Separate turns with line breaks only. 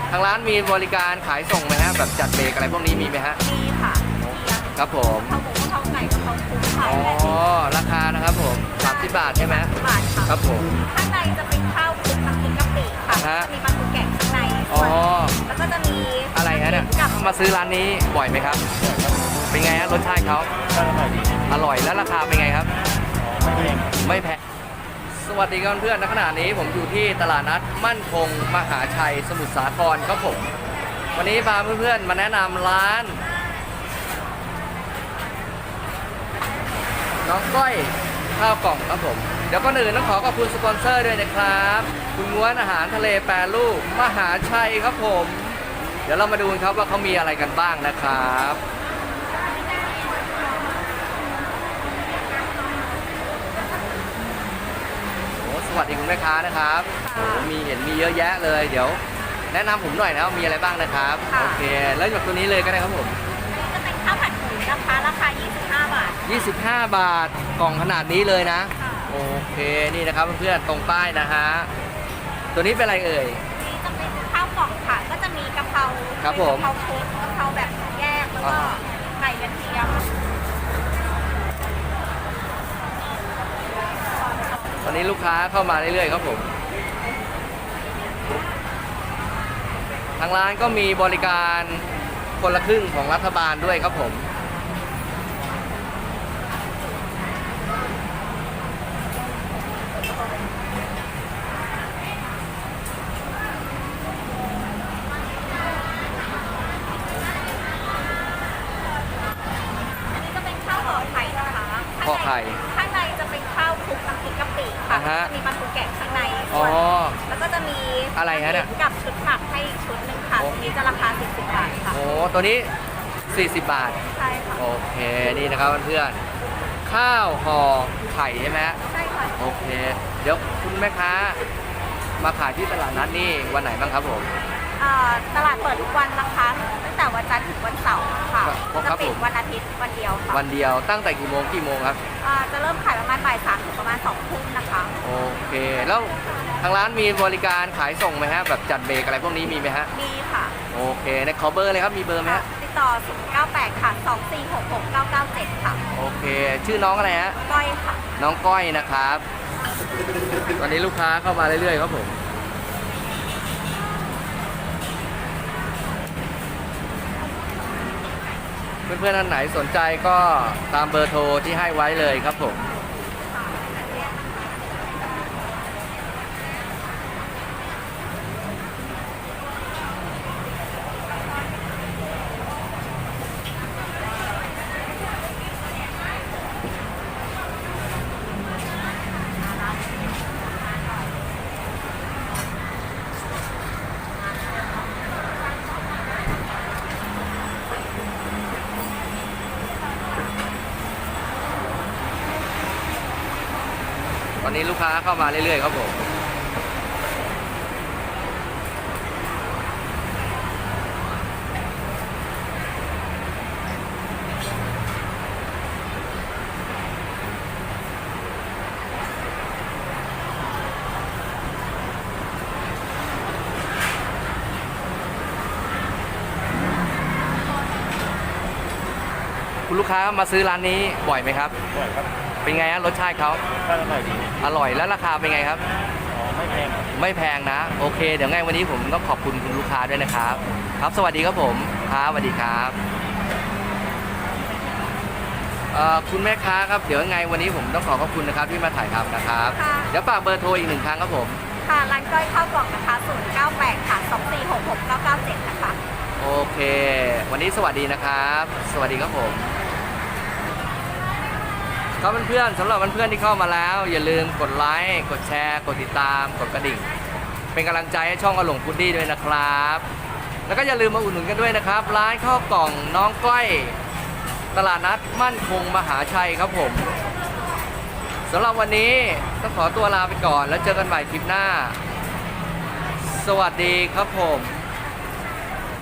ทางร้านมีบริการขายส่งไหมฮะแบบจัดเบรกอะไรพวกนี้มีไหมฮะ
มีค่ะ
ครับผม
ข้าวหมูข้าวไก่กับข้าวคลุกค่ะ
อ๋อราคานะครับผม30 บาทใช่ไหม
บาทค่ะ
ครับผม
ข้างในจะเป็นข้าวคลุกน้ำพริกกะปิค่ะมีปลาทูแกะข้างใน
อ๋อ
แล้วก็จะมี
อะไรฮะเนี่ยมาซื้อร้านนี้บ่อยไหมครับเป็นไงฮะรสชาติเขาอร่อยแล้วราคาเป็นไงครับไม่แพงสวัสดีครับเพื่อนๆณขณะนี้ผมอยู่ที่ตลาดนัดมั่นคงมหาชัยสมุทรสาครครับผมวันนี้พาเพื่อนๆมาแนะนำร้านน้องก้อยข้าวกล่องครับผมเดี๋ยวก่อนอื่นต้องขอขอบคุณสปอนเซอร์ด้วยนะครับคุณง้วนอาหารทะเลแปรรูปมหาชัยครับผมเดี๋ยวเรามาดูกันครับว่าเขามีอะไรกันบ้างนะครับสวัสดีคุณแม่ค้านะครับมีเห็นมีเยอะแยะเลยเดี๋ยวแนะนำผมหน่อยนะมีอะไรบ้างนะครับโอเคแล้วจากตัวนี้เลยก็ได้ครับผม
จะเป็นข้าวผัดหมูนะคะราคา25 บาท
25 บาทกล่องขนาดนี้เลยนะโอเคนี่นะครับเพื่อนๆตรงป้ายนะฮะตัวนี้เป็นอะไรเอ่ย
นี่จะเป็นข้าวกล่องค่ะก็จะมีกะเพรา
ครับผม
กะเพราคลุกกะเพราแบบแยกแล้วก็ไก่กระเทียม
วันนี้ลูกค้าเข้ามาเรื่อยๆครับผมทางร้านก็มีบริการคนละครึ่งของรัฐบาลด้วยครับผม
จะเป็นข้าวห่อไข่นะคะ
ห่อไข่
ข้างในจะเป็นข้าวคลุกน้ำพริกกะปิค่ะมีปลาทูแกะข้างในแล้วก็จะมี
อะไรฮะเนี่ย
กับชุดหมักให้ชุดหนึ่งค่ะตัวนี้จะราคา40 บาทค่ะ
โอ้ตัวนี้40 บาท
ใช่ค่ะ
โอเคนี่นะครับเพื่อนๆข้าวห่อไข่ใช่ไหม
ใช่ค่ะ
โอเคเดี๋ยวคุณแม่ค้ามาขายที่ตลาดนัดนี่วันไหนบ้างครับผม
ตลาดเปิดทุกวันนะคะตั้งแต่วันจันทร์ถึงวันเสาร์ค่ะจะปิดวันอาทิตย์วันเดียวค่ะ
วันเดียวตั้งแต่กี่โมงครับ
จะเริ่มขายประมาณบ่าย 3 ถึงประมาณ 2 ทุ่มนะคะ
โอเคแล้วทางร้านมีบริการขายส่งไหมฮะแบบจัดเบรกอะไรพวกนี้มีไหมฮะ
มีค่ะ
โอเคในขอเบอร์เลยครับมีเบอร์ไหมฮะ
ติดต่อ098ค่ะ2466997ค่ะ
โอเคชื่อน้องอะไรฮะ
ก้อยค่ะ
น้องก้อยนะครับตอนนี้ลูกค้าเข้ามาเรื่อยๆครับผมเพื่อนๆท่านไหนสนใจก็ตามเบอร์โทรที่ให้ไว้เลยครับผมตอนนี้ลูกค้าเข้ามาเรื่อยๆครับผมคุณลูกค้ามาซื้อร้านนี้บ่อยไหมครับ
บ่อยครับ
เป็นไงฮะรสชาติเขา
อร่อยดี
อร่อยแล้วราคาเป็นไงครับ
ไม่แพง
ไม่แพงนะโอเคเดี๋ยวไงวันนี้ผมต้องขอบคุณคุณลูกค้าด้วยนะครับครับสวัสดีครับผมครับสวัสดีครับคุณแม่ค้าครับเดี๋ยวไงวันนี้ผมต้องขอบคุณนะครับที่มาถ่ายทำนะครับเดี๋ยวฝากเบอร์โทรอีก1 ครั้งครับผม
ค่ะร้านก้อยข้าวกล่องนะคะ098ค่ะ2466997นะคะ
โอเควันนี้สวัสดีนะครับสวัสดีครับผมครับเพื่อนๆสำหรับเพื่อนๆที่เข้ามาแล้วอย่าลืมกดไลค์กดแชร์กดติดตามกดกระดิ่งเป็นกำลังใจให้ช่องอลงพุดดี้ด้วยนะครับแล้วก็อย่าลืมมาอุดหนุนกันด้วยนะครับร้านข้าวกล่องน้องก้อยตลาดนัดมั่นคงมหาชัยครับผมสำหรับวันนี้ต้องขอตัวลาไปก่อนแล้วเจอกันใหม่คลิปหน้าสวัสดีครับผม